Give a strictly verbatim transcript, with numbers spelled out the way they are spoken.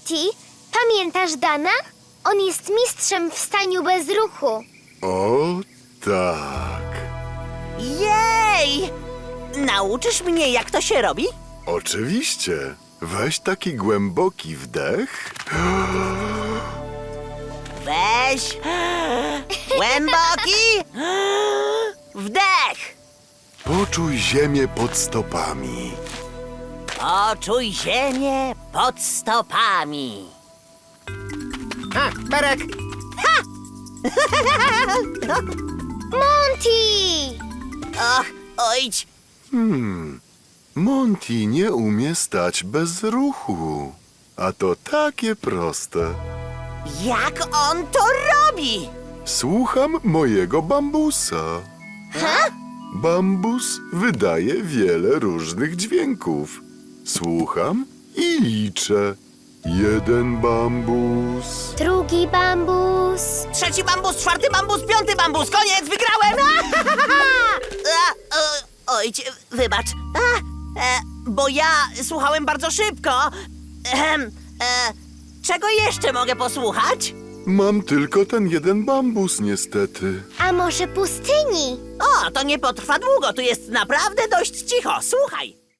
Monty, pamiętasz Dana? On jest mistrzem w staniu bez ruchu. O, tak. Jej! Nauczysz mnie, jak to się robi? Oczywiście. Weź taki głęboki wdech. Weź głęboki wdech. Poczuj ziemię pod stopami. Poczuj ziemię pod stopami. A, Berek! Monty! Och, ojdź. Hmm. Monty nie umie stać bez ruchu. A to takie proste. Jak on to robi? Słucham mojego bambusa. Ha? Bambus wydaje wiele różnych dźwięków. Słucham i liczę. Jeden bambus. Drugi bambus. Trzeci bambus, czwarty bambus, piąty bambus. Koniec, wygrałem! A, o, Ojdź, wybacz. A, e, bo ja słuchałem bardzo szybko. Ehem, e, czego jeszcze mogę posłuchać? Mam tylko ten jeden bambus, niestety. A może pustyni? O, to nie potrwa długo, tu jest naprawdę dość cicho. Słuchaj.